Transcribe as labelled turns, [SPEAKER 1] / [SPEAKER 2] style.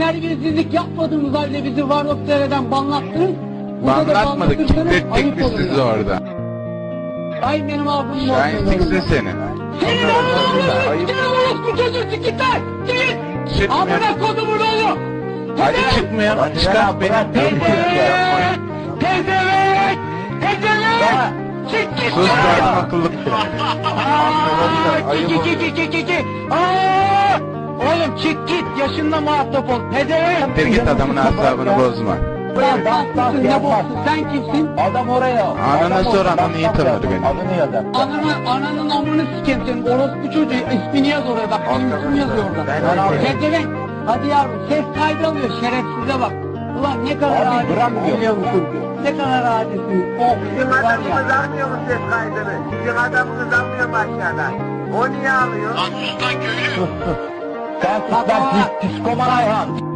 [SPEAKER 1] terbiyesizlik yapmadığımız halde bizi Varlık Seyreden banlattınız.
[SPEAKER 2] Banlatmadık, kilitlettik biz sizi orada.
[SPEAKER 1] Ay benim ağzım
[SPEAKER 2] Şahin sikse seni.
[SPEAKER 1] Senin ağzını bu çocuğu sikitler! Git!
[SPEAKER 2] Çıkmıyor.
[SPEAKER 1] Amına kodumun oğlu!
[SPEAKER 2] Hadi çıkmıyor, çıkar beni.
[SPEAKER 1] Pezevenk! Pezevenk! Pezevenk! Çık git!
[SPEAKER 2] Sus be adam akıllı.
[SPEAKER 1] Oğlum çık git! Yaşınla muhatap ol! Pezevenk!
[SPEAKER 2] Bir git adamın asabını bozma.
[SPEAKER 1] Ne boksun? Sen kimsin?
[SPEAKER 3] Adam oraya.
[SPEAKER 2] Anana sor, anan iyi tanır beni.
[SPEAKER 3] Adını yazar.
[SPEAKER 1] Ananın amını sikeyim senin. Orospu çocuğu ismini yaz oraya bak. Benim ismim yazıyor orada. Pezevenk! Hadi yavrum ses kaydı alıyor şerefsize bak. Ulan ne kadar
[SPEAKER 3] Abi
[SPEAKER 1] adisin
[SPEAKER 3] bırak
[SPEAKER 1] biliyor musun? Ne kadar adisin. Oh
[SPEAKER 4] Bizim
[SPEAKER 1] var
[SPEAKER 4] adamımız
[SPEAKER 1] ya.
[SPEAKER 4] almıyor mu ses kaydını? Bizim adamımız almıyor mu aşağıdan? O niye alıyor?
[SPEAKER 3] Sen sus lan psikoman hayvan.